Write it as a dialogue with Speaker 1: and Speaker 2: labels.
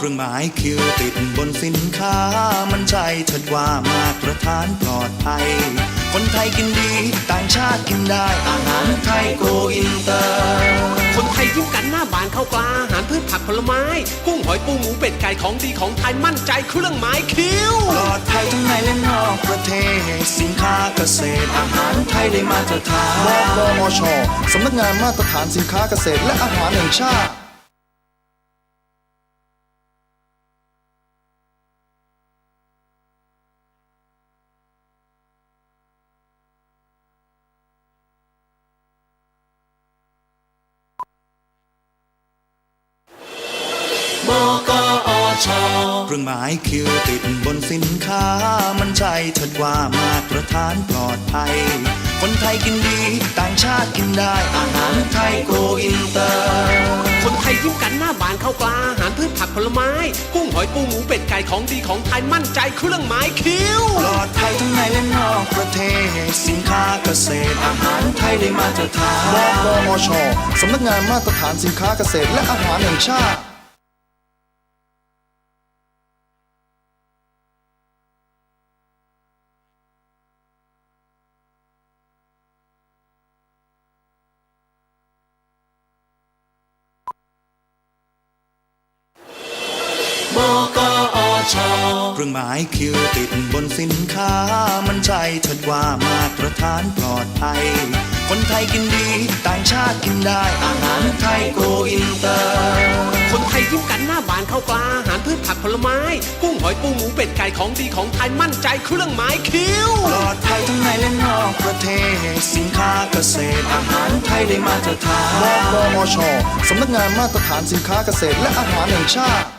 Speaker 1: เครื่องหมายคิวติดบนสินค้ามันใจเถิดว่ามาตรฐานปลอดภัยคนไทยกินดีต่างชาติกินได้อาหารไทยโกอินเตอร์
Speaker 2: คนไทยยิ้มกันหน้าบานข้าวปลาอาหารพืชผักผลไม้กุ้งหอยปูหมูเป็ดไก่ของดีของไทยมั่นใจเครื่องหมายคิว
Speaker 1: ปลอดภัยทั้งในและนอกประเทศสินค้าเกษตรอาหารไทยได้มาตรฐาน
Speaker 3: บกมช.สำนักงานมาตรฐานสินค้าเกษตรและอาหารแห่งชาติ
Speaker 1: บกอช.เครื่องหมายคิวติดบนสินค้ามันใจเถิดว่ามาตรฐานปลอดภัยคนไทยกินดีต่างชาติกินได้อาหารไทยโกอินเตอร์
Speaker 2: คนไทยยิ้มกันหน้าบานข้าวปลาอาหารพืชผักผลไม้กุ้งหอยปูหมูเป็ดไก่ของดีของไทยมั่นใจเครื่องหมายคิว
Speaker 1: ปลอดภัยทั้งในและนอกประเทศสินค้าเกษตรอาหารไทยได้มาตรฐาน
Speaker 3: บกมช.สำนักงานมาตรฐานสินค้าเกษตรและอาหารแห่งชาติ
Speaker 1: บกอช.เครื่องหมายคิวติดบนสินค้ามันใจเถิดว่ามาตรฐานปลอดภัยคนไทยกินดีต่างชาติกินได้อาหารไทยโกอินเตอร์
Speaker 2: คนไทยยิ้มกันหน้าบานข้าวปลาอาหารพืชผักผลไม้กุ้งหอยปูหมูเป็ดไก่ของดีของไทยมั่นใจเครื่องหมายคิว
Speaker 1: ปลอดภัยทั้งในและนอกประเทศสินค้าเกษตรอาหารไทยได้มาตรฐาน
Speaker 3: บกมช.สำนักงานมาตรฐานสินค้าเกษตรและอาหารแห่งชาติ